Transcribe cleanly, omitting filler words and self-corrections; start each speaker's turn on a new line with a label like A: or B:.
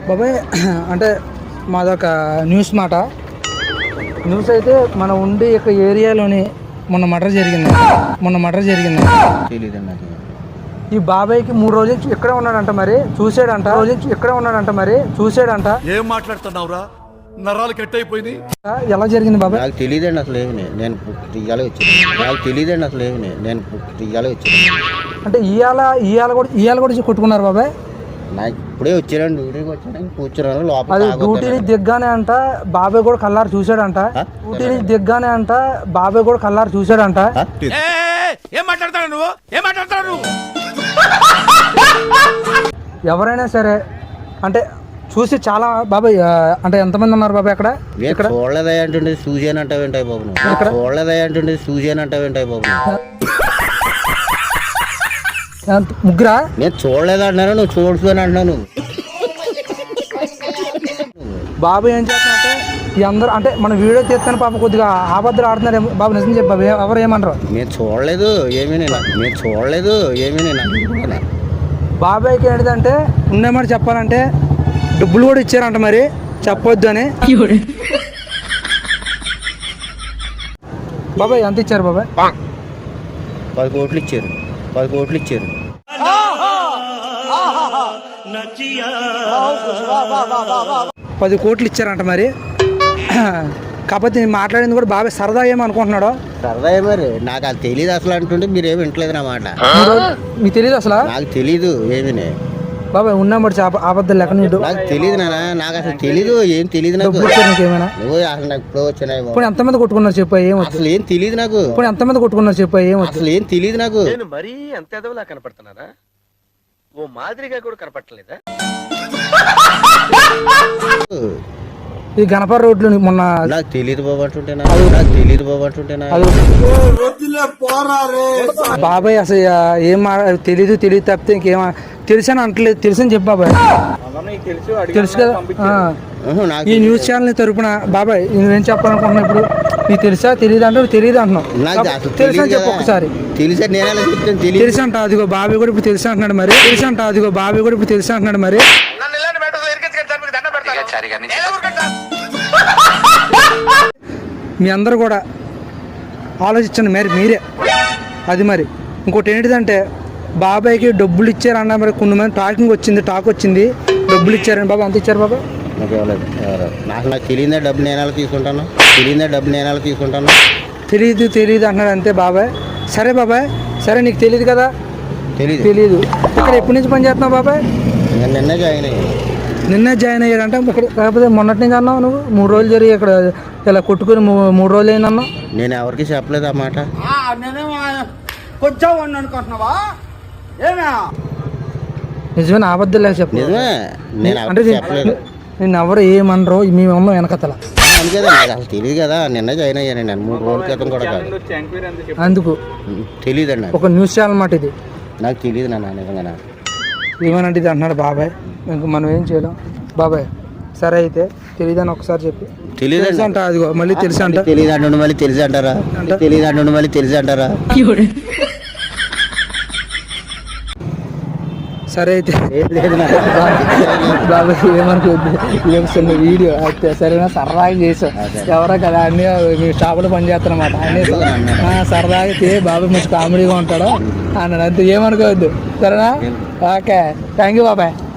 A: బాబాయ్ అంటే మాదొక న్యూస్ మాట. న్యూస్ అయితే మన ఉండి యొక్క ఏరియాలోని మొన్న మర్డర్ జరిగింది.
B: తెలియదండి.
A: ఈ బాబాయ్కి 3 రోజుల నుంచి ఇక్కడే ఉన్నాడంట, మరి చూసాడంట.
C: ఏం మాట్లాడుతున్నావురా? నరాలు కట్ అయిపోయింది.
A: ఎలా జరిగింది బాబాయ్?
B: నాకు తెలియదండి అసలు ఏమి. నేను ఇవాళ వచ్చాను.
A: అంటే ఇవాళ కూడా కొట్టుకున్నారు బాబాయ్.
B: నాకు ఇప్పుడే వచ్చానండి, డ్యూటీకి వచ్చాను, కూర్చున్నాను లోపల.
A: అది డ్యూటీని దిగ్గానే అంట బాబాయ్ కూడా కల్లారు చూసాడంట.
C: ఏం మాట్లాడతాడు నువ్వు?
A: ఎవరైనా సరే అంటే చూసి చాలా బాబాయ్ అంటే ఎంతమంది ఉన్నారు బాబాయ్ అక్కడ?
B: ఇక్కడ చూడలేదా అంటుండే సూజన్ అంటావేంటాయి బాబు?
A: ముగ్గురా?
B: నేను చూడలేదు అంటున్నాను, నువ్వు చూడచ్చు అని అంటున్నాను.
A: బాబు ఏం చేస్తానంటే ఈ అందరూ అంటే మన వీడియో తీస్తాను పాప కొద్దిగా ఆబద్ధాలు ఆడుతున్నారు బాబు. నిజం చెప్పు బాబు, ఎవరు ఏమన్నారు?
B: నేను చూడలేదు ఏమీ నేను
A: బాబాయ్కి ఏంటంటే ఉండేమాట చెప్పాలంటే డబ్బులు కూడా ఇచ్చారంట, మరి చెప్పొద్దు అని. బాబాయ్ ఎంత ఇచ్చారు బాబాయ్?
B: 10 కోట్లు ఇచ్చారు.
A: 10 కోట్లు ఇచ్చారంట మరి. కాకపోతే నేను మాట్లాడింది కూడా బాబాయ్ సరదా ఏమనుకుంటున్నాడు.
B: సరదా మరి నాకు అది తెలియదు అసలు అంటుంటే మీరు ఏమి వింటలేదు నా మాట.
A: మీకు తెలియదు అసలు?
B: నాకు తెలీదు ఏమీ
A: బాబాయ్ ఉన్నామడి ఆబద్ధాలు లెక్క.
B: నాకు తెలియదు నాన్న, నాకు అసలు తెలీదు, ఏం తెలియదు నాకు.
A: ఏమైనా
B: నువ్వు అసలు నాకు ఇప్పుడు వచ్చినాయి.
A: ఇప్పుడు ఎంతమంది కొట్టుకున్నారు చెప్పు?
B: అసలు ఏం తెలియదు నాకు.
A: ఇప్పుడు ఎంతమంది కొట్టుకున్నారు చెప్పు?
B: అసలు ఏం తెలియదు నాకు.
D: నేను మరీ అంత ఎదవలా కనపడుతున్నారా? ఓ మాదిరిగా కూడా కనపడలేదా?
A: ఈ గణపర రోడ్లు మొన్న
B: నాకు తెలియదు బాబు అంటుంటేనా?
A: బాబాయ్ అసలు ఏం తెలీదు తప్పితే ఇంకేం తెలుసని అంటలేదు. తెలుసని చెప్పు బాబాయ్. తెలుసు కదా. ఈ న్యూస్ ఛానల్ తరపున బాబాయ్ నువ్వేం చెప్పాలనుకుంటున్నా ఇప్పుడు? నీకు తెలుసా తెలియదు అంటే తెలియదు అంటున్నావు. తెలుసు అని చెప్పు ఒకసారి. తెలుసు అంట అదిగో బాబాయ్ కూడా ఇప్పుడు తెలుసు అంటున్నాడు మరి. మీ అందరూ కూడా ఆలోచించండి మీరే. అది మరి ఇంకోటి ఏంటిదంటే బాబాయ్కి డబ్బులు ఇచ్చారన్న మరి కొన్ని మంది టాక్ వచ్చింది డబ్బులు ఇచ్చారని. బాబా ఎంత ఇచ్చారు బాబా?
B: నాకు తెలియదే డబ్బులు నేను ఎలా తీసుకుంటాను.
A: తెలియదు అంటున్నాడు అంతే బాబాయ్. సరే బాబాయ్, సరే నీకు తెలియదు కదా. తెలీదు. ఇక్కడ ఎప్పటి నుంచి పని చేస్తున్నావు బాబాయ్? నిన్నే జాయిన్ అయ్యాడంటే ఇక్కడ. కాకపోతే మొన్నటి నుంచి అన్నావు నువ్వు 3 రోజులు జరిగి ఇక్కడ ఇలా కొట్టుకుని 3 రోజులు అయిందన్నావు.
B: నేను ఎవరికి చెప్పలేదు ఆ మాట.
A: నిజమే, అబద్ధం లేక చెప్పలేదు. అంటే నేను ఎవరు ఏమనరు మేము ఉన్నాం వెనకతల.
B: అసలు తెలియదు కదా, నిన్న జాయిన్ అయ్యాను నేను 3 రోజుల క్రితం కూడా కాదు.
A: అందుకు
B: తెలియదండి.
A: ఒక న్యూస్ ఛానల్ మాట ఇది.
B: నాకు తెలియదు నాన్న నిజంగా.
A: ఏమనంటే ఇది అంటున్నాడు బాబాయ్. ఇంక మనం ఏం చేయలేం బాబాయ్. సరే అయితే తెలియదని ఒకసారి చెప్పి.
B: తెలియదు
A: అంట అదిగో మళ్ళీ తెలుసు అంట.
B: తెలియదు అంటుండు మళ్ళీ తెలుసు అంటారా?
A: సరే అయితే బాబాయ్ ఏమనుకోద్దు, ఏం చిన్న వీడియో అయితే సరేనా సరదాగా చేసాం. ఎవరో కదా అన్నీ మీ షాపులో పని చేస్తారన్నమాట. అన్నీ సరదాగా బాబాయ్ మంచి కామెడీగా ఉంటాడు అన్నాడు అంతే. ఏమనుకోవద్దు సరేనా? ఓకే, థ్యాంక్ యూ బాబాయ్.